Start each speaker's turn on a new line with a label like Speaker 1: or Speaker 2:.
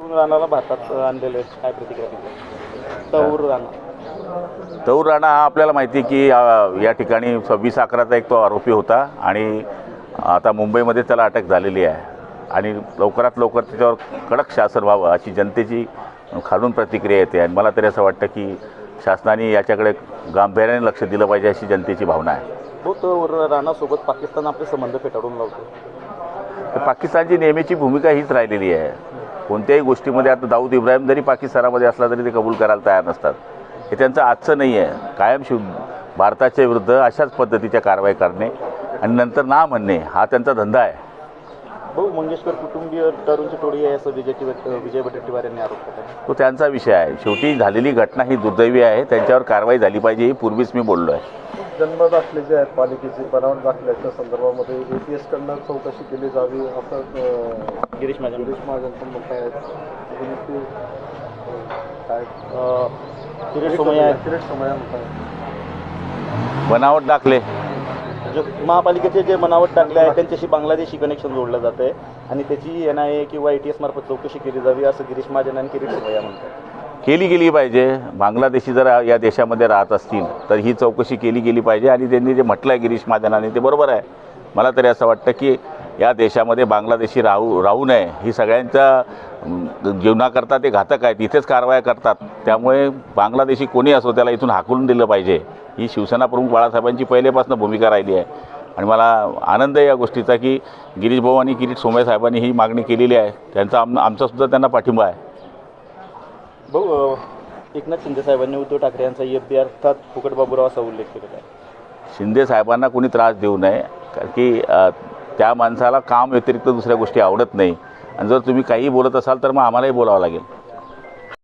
Speaker 1: विदेशातून राणाला भारतात आणलेलं आहे, काय प्रतिक्रिया दिली?
Speaker 2: तौर राणा हा आपल्याला माहिती आहे की या ठिकाणी 26/11चा एक तो आरोपी होता आणि आता मुंबईमध्ये त्याला अटक झालेली आहे आणि लवकरात लवकर त्याच्यावर कडक शासन व्हावं अशी जनतेची खालून प्रतिक्रिया येते आणि मला तरी असं वाटतं की शासनाने याच्याकडे गांभीर्याने लक्ष दिलं पाहिजे अशी जनतेची भावना आहे.
Speaker 1: हो, तौर राणासोबत पाकिस्तान आपले संबंध फेटाळून लावतो.
Speaker 2: तर पाकिस्तानची नेहमीची भूमिका हीच राहिलेली आहे. कोणत्याही गोष्टीमध्ये आता दाऊद इब्राहिम जरी पाकिस्तानामध्ये असला तरी ते कबूल करायला तयार नसतात. हे त्यांचं आजचं नाही आहे. कायम भारताच्या विरुद्ध अशाच पद्धतीच्या कारवाई करणे आणि नंतर ना म्हणणे हा त्यांचा धंदा आहे.
Speaker 1: भाऊ, मंगेशकर कुटुंबीय दारूंची टोळी आहे असं विजय वडेट्टीवार यांनी आरोप केला.
Speaker 2: तो त्यांचा विषय आहे. शेवटी झालेली घटना ही दुर्दैवी आहे. त्यांच्यावर कारवाई झाली पाहिजे ही पूर्वीच मी बोललो आहे.
Speaker 3: जन्म दाखले जे आहेत पालिकेचे बनावट दाखल्याच्या संदर्भामध्ये APS-कडनं चौकशी केली जावी असं
Speaker 1: गिरीश महाजन
Speaker 3: पण मत आहेत. काय
Speaker 1: किरीट सोमय्या
Speaker 3: मत आहे.
Speaker 2: बनावट दाखले
Speaker 1: जे महापालिकेचे जे बनावट टाकले आहेत त्यांच्याशी बांगलादेशी कनेक्शन जोडलं जातं आहे आणि त्याची NIA किंवा ATS मार्फत चौकशी केली जावी असं गिरीश महाजन आणि किरीट सोमय्या म्हणतात.
Speaker 2: केली गेली पाहिजे. बांगलादेशी जर या देशामध्ये राहत असतील तर ही चौकशी केली गेली पाहिजे आणि त्यांनी जे म्हटलं आहे गिरीश महाजनाने ते बरोबर आहे. मला तरी असं वाटतं की या देशामध्ये बांगलादेशी राहू नये. ही सगळ्यांच्या जीवनाकरता ते घातक आहेत. इथेच कारवाया करतात. त्यामुळे बांगलादेशी कोणी असो त्याला इथून हाकलून दिलं पाहिजे. ही शिवसेना प्रमुख बाळासाहेबांची पहिल्यापासून भूमिका राहिली आहे आणि मला आनंद आहे या गोष्टीचा की गिरीश भाऊ आणि किरीट सोमय्या साहेबांनी ही मागणी केलेली आहे. त्यांचा आमचासुद्धा त्यांना पाठिंबा आहे.
Speaker 1: भाऊ, एकनाथ शिंदे साहेबांनी उद्धव ठाकरे यांचा FB अर्थात फुकट बाबूराव असा उल्लेख केलेला आहे.
Speaker 2: शिंदे साहेबांना कोणी त्रास देऊ नये कारण की त्या माणसाला काम व्यतिरिक्त दुसऱ्या गोष्टी आवडत नाही आणि जर तुम्ही काही बोलत असाल तर मग आम्हालाही बोलावं लागेल.